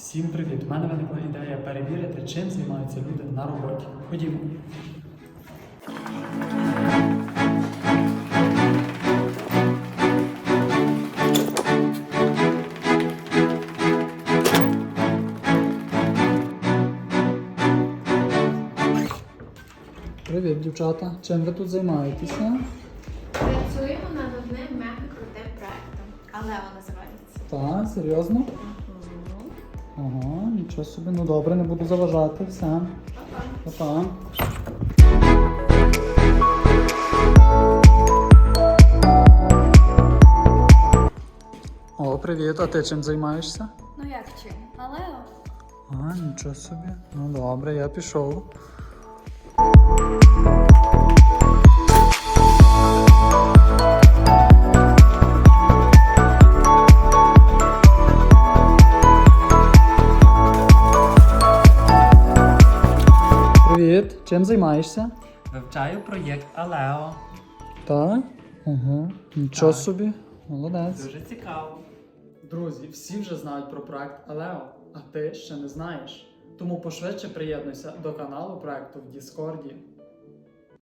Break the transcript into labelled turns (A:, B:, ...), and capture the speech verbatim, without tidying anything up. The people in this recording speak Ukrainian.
A: Всім привіт! У мене виникла ідея перевірити, чим займаються люди на роботі. Ходімо. Привіт, дівчата. Чим ви тут займаєтеся?
B: Працюємо над одним мега крутим проектом. Алео називається.
A: Так, серйозно?
B: Угу.
A: Ага, нічого собі. Ну добре, не буду заважати. Все.
B: Па-па.
A: Па-па. О, привіт. А ти чим займаєшся?
B: Ну як чим? Алео?
A: А, нічого собі. Ну добре, я пішов. Привіт, чим займаєшся?
C: Вивчаю проєкт Алео.
A: Так? Угу. Нічого
C: Так.
A: собі. Молодець.
C: Дуже цікаво.
A: Друзі, всі вже знають про проект Алео, а ти ще не знаєш. Тому пошвидше приєднуйся до каналу проекту в Діскорді.